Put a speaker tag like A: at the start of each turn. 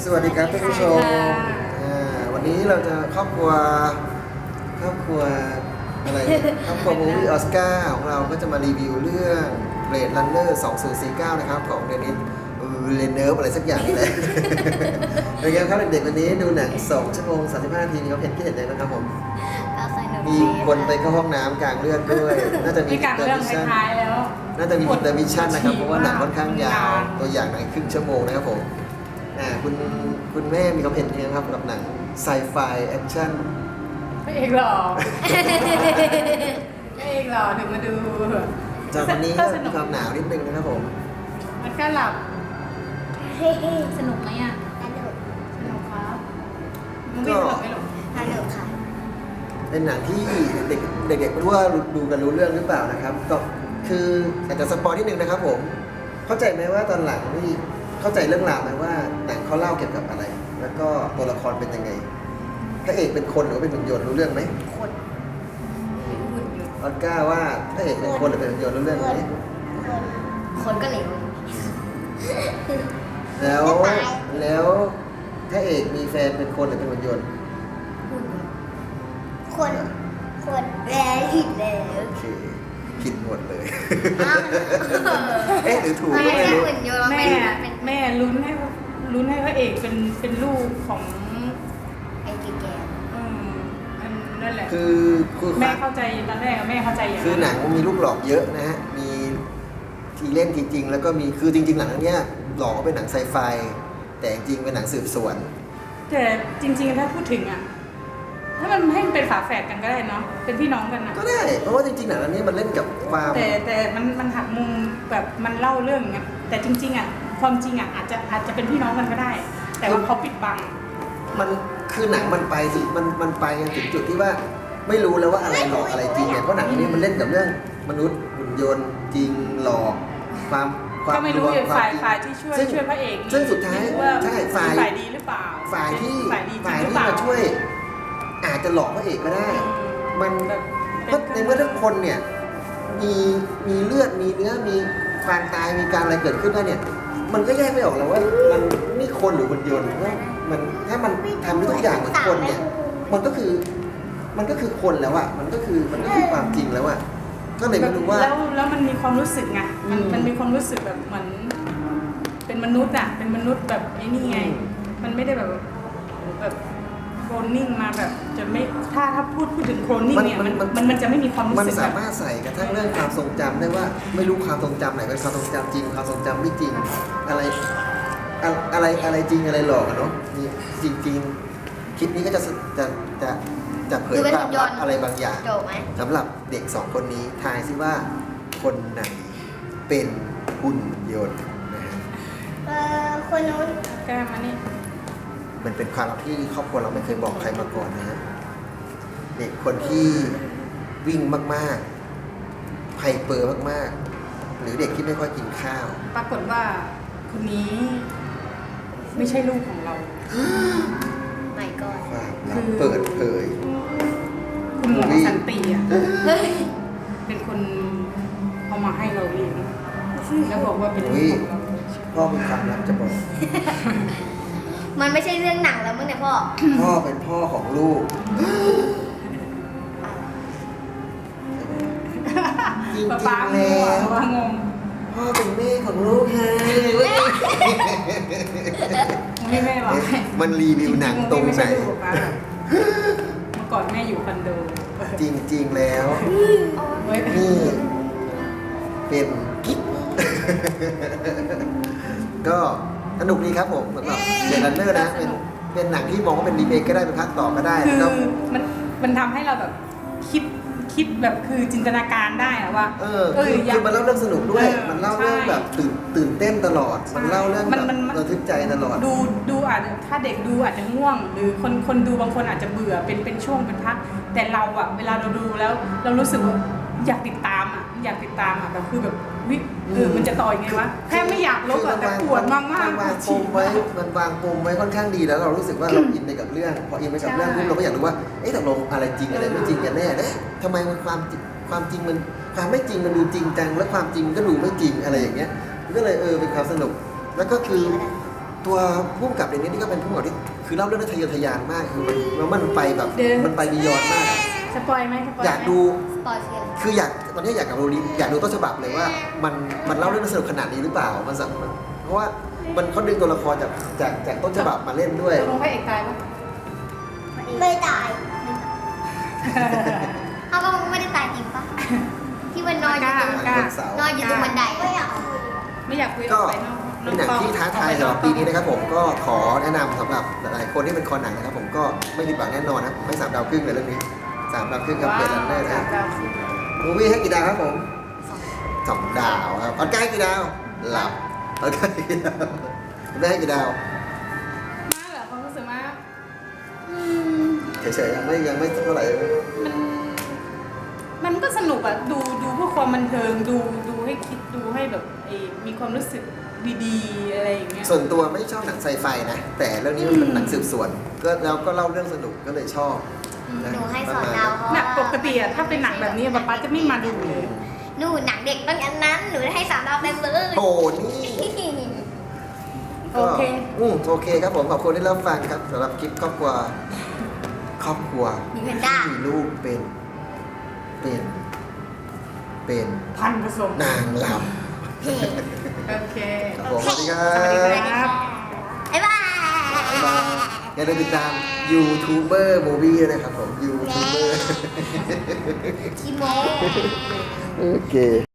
A: สวัสดีครับท่านผู้ชมวันนี้เราจะครอบครัวอะไร ครอบครัวมูวี่ออสการ์ของเราก็จะมารีวิวเรื่อง Blade Runner 2049 นะครับของเดนิสเลเนอร์อะไรสักอย่างนี่แหละ เป็นไงครับเด็กๆวันนี้ดูหนัง2 ชั่วโมง 35 นาทีมีความเห็นคิดเห็นยังไงบ้างครับผมมีคนไปเข้าห้องน้ำกลางเรื่องด้วยน่าจะมี
B: กลางเรื่องท้ายแล้ว
A: น่าจะมีอินเตอร์มิชชั่นนะครับเพราะว่าหนังค่อนข้างยาวตัวอย่างหนังครึ่งชั่วโมงนะครับผมคุณแม่มีความเห็นยังไงครับกับหนังไซไฟแอคชั่น
B: พระเอกหล่อพระเอกหล่อถึงมาดู
A: จากวันนี้มีความหนาวนิดนึงนะครับผม
B: มันก็หลับสนุกไหมอ่ะสนุกครับมึงไม่สนุกไหมหรอ
C: สนุกค่ะ
A: เป็นหนังที่เด็กๆไม่รู้ว่าดูกันรู้เรื่องหรือเปล่านะครับก็คืออาจจะสปอยนิดนึงนะครับผมเข้าใจไหมว่าตอนหลังนี่เข้าใจเรื่องราวไหมว่าหนังเขาเล่าเกี่ยวกับอะไรแล้วก็ตัวละครเป็นยังไงพระเอกเป็นคนหรือเป็นหุ่นยนต์รู้เรื่องไหม
C: คน
A: ออสการ์ว่าพระเอกเป็นคนหรือเป็นหุ่นยนต์รู้เรื่องไหม
C: คนก็เหลว
A: แล้วพระเอกมีแฟนเป็นคนหรือเป็นหุ่นยนต์
C: คนแล้วผิดแล้ว
A: โอเคผิดหมดเลยหรือถูกก็ไม่รู้
B: แม่ลุ้นให้พระเอกเป็นลูกของ
C: ไอ้แก่
B: นั่นแหละ
A: คือ
B: แม่เข้าใจตอนแรกแม่เข้าใจอย่าง
A: คือหนังมีลูกหลอกเยอะนะฮะมีทีเล่นทีจริงแล้วก็มีคือจริงๆหนังเนี้ยหลอกว่าเป็นหนังไซไฟแต่จริงเป็นหนังสืบสวน
B: แต่จริงๆถ้าพูดถึงอ่ะถ้ามันให้มันเป็นฝาแฝดกันก็ได้เนาะเป็นพี่น้องกันนะ
A: ก็ได้เพราะว่าจริงๆหนังอันนี้มันเล่นกับความ
B: แต่มันหักมุมแบบมันเล่าเรื่องอย่างเงี้ยแต่จริงๆอ่ะความจริงอ่ะอาจจะเป็นพี่น้องกันก็ได้แต่ว่าเขาปิดบัง
A: มันคือหนังมันไปสิมันไปถึงจุดที่ว่าไม่รู้แล้วว่าอะไรหลอกอะไรจริงเนี่ยเพราะหนังนี้มันเล่นกับเรื่องมนุษย์หุ่นยนต์จริงหลอกความ
B: ก็ไม่รู้อย่างฝ่ายที่ช่วยพระเอก
A: ซึ่งสุดท้ายใช่ฝ่าย
B: ดีหรือเปล่า
A: ฝ่ายที่มาช่วยอาจจะหลอกพระเอกก็ได้มันเพราะในเมื่อทุกคนเนี่ยมีเลือดมีเนื้อมีความตายมีการอะไรเกิดขึ้นได้เนี่ยมันก็แยกไม่ออกแล้วว่ามันนี่คนหรือหุ่นยนต์ว่ามันถ้ามันทำทุกอย่างเหมือนคนเนี่ยมันก็คือคนแล้วอะมันก็คือความจริงแล้วอะก็เลยไม่รู้ว่า
B: แล้วมันมีความรู้สึกไงมันมีความรู้สึกแบบเหมือนเป็นมนุษย์อะเป็นมนุษย์แบบไอ้นี่ไงมันไม่ได้แบบโคลนนิ่งมาแบบจะไม่ถ้าพูดถึงโคลนนิ่งเนี่ยมันจะไม่มีความรู้สึก
A: มันสามารถใส่กระทั่งเรื่องความทรงจำได้ว่าไม่รู้ความทรงจำไหนเป็นความทรงจำจริงความทรงจำไม่จริงอะไรจริงอะไรหลอกเนาะนี่จริงคลิปนี้ก็จะเผยความลับอะไรบางอย่างสำหรับเด็ก2 คนนี้ทายซิว่าคนไหนเป็นหุ่นยนต์นะฮะ
C: คนนู้น
B: แก้มานี่
A: มันเป็นความลับที่ครอบครัวเราไม่เคยบอกใครมาก่อนนะฮะเด็กคนที่วิ่งมากๆไฮเปอร์มากๆหรือเด็กที่ไม่ค่อยกินข้าว
B: ปรากฏว่าคนนี้ไม่ใช่ลูกของเรา
C: ไม่ก็
A: ความลับเปิดเผย
B: คุณหมอสันติอ่ะเป็นคนเอามาให้เราเลี้ยงแล้วบอกว่าเป็นลูกของเรา
A: พ่อมีความลับจะบอก
C: มันไม่ใช่เรื่องหนังแล้วมั้งเนี่ย
A: พ่อเป็นพ่อของลูกจริงๆแล้วพ่อเป็นแม่ของลูกไง
B: ไม่แม่หรอก
A: มันรีวิวหนังตรงไหน
B: เมื่อก่อนแม่อยู่คอนโด
A: จริงๆแล้วนี่เป็นกิ๊กก็สนุกดีครับผมสำหรับเดนเนอร์นะเป็นหนังที่มองว่าเป็นรีเมคก็ได้เป็นภาคต่อก็ได้
B: คือมันทำให้เราแบบคิดแบบคือจินตนาการได้อะว่า
A: คือมันเล่าเรื่องสนุกด้วยมันเล่าเรื่องแบบตื่นเต้นตลอดมันเล่าเรื่องแบบระทึกใจตลอด
B: ดูอาจจะถ้าเด็กดูอาจจะง่วงหรือคนดูบางคนอาจจะเบื่อเป็นช่วงเป็นพักแต่เราอะเวลาเราดูแล้วเรารู้สึกว่าอยากติดตามอะแบบคือแบบมันจะต่อยังไงวะแค่ไม่อยากลบอะแต่ปวดมาก
A: มันวางปมไว้ค่อนข้างดีแล้วเรารู้สึกว่าเราอินไปกับเรื่องพออินไปกับเรื่องปุ๊บเราก็อยากรู้ว่าตกลงอะไรจริงอะไรไม่จริงกันแน่ทำไมมันความจริงมันความไม่จริงมันดูจริงจังและความจริงก็ดูไม่จริงอะไรอย่างเงี้ยก็เลยเป็นความสนุกแล้วก็คือตัวพุ่มกับเดนนี่ก็เป็นพุ่มกับที่คือเล่าเรื่องได้ทะเยอทะยานมากคือมันไปแบบมันไปบียอนมากอะ
B: สปอยไหมสปอยไหม
A: อยากดู
C: สปอยคืออะไร
A: คือตอนนี้อยากดูต้นฉบับเลยว่ามันเล่าเรื่องได้สนุกขนาดนี้หรือเปล่ามันสำเพราะว่ามันเขาดึงตัวละครจากต้นฉบับมาเล่นด้วย
B: ตกลงพระเอกตายปะ
C: ไม่ตายเอาก็ไม่ได้ตายจริงปะที่มันนอนอยู่ตรง
B: กล้า
C: นอนอยู่ตรงบันไดไม่อยากคุย
B: ไม่อยากคุยอ
A: ก็
B: อกไปนอก
A: เป็นหนังที่ท้าทายสำหรับปีนี้นะครับผมก็ขอแนะนำสำหรับหลายๆคนที่เป็นคอหนังนะครับผมก็ไม่ผิดหวังแน่นอนนะไม่3 ดาวครึ่งเลยเรื่องนี้3 ดาวครึ่งกับเบลลันเนอร์นะ มูวี่ให้กี่ดาวครับผม2 ดาวครับออสการ์ให้กี่ดาวหลับออสการ์ให้กี่ดาวไม่ให้กี่ดาว
B: มากเหรอความรู้สึกมาก
A: เฉยๆยังไม่เท่าไหร่
B: มันก็สนุกอะดูเพื่อความบันเทิงดูให้คิดดูให้แบบมีความรู้สึกดีๆอะไรอย่างเงี้ย
A: ส่วนตัวไม่ชอบหนังไซไฟนะแต่เรื่องนี้มันเป็นหนังสืบสวนก็เราก็เล่าเรื่องสนุกก็เลยชอบะ
C: หนูให้2 ดาวเพราะ
B: หนั
C: ว่าก
B: ปกติอะถ้าเป็นหนังแบบนี้ป๊าจะไม่มาดูเลย
C: หนูหนังเด็กต้องอันนั้นหนูให้3 ดาวเต็มเลย
A: โอ้นี่
B: โอเค
A: โอเคครับผมขอบคุณที่รับฟังครับสำหรับคลิปครอบครัว
C: มีแพนด้า
A: ที่มีลูกเป็น
B: พันผสม
A: นางล
B: โอเค
A: ำครับผมสวัสดีครั
B: สวัสดี
A: บ
B: ครับ
C: บ๊ายบาย
A: บ๊ายบายอย่าลืมติดตามยูทูบเบอร์มูวี่นะครับผมยูทูบเบอร์
C: ชิโม
A: โอเค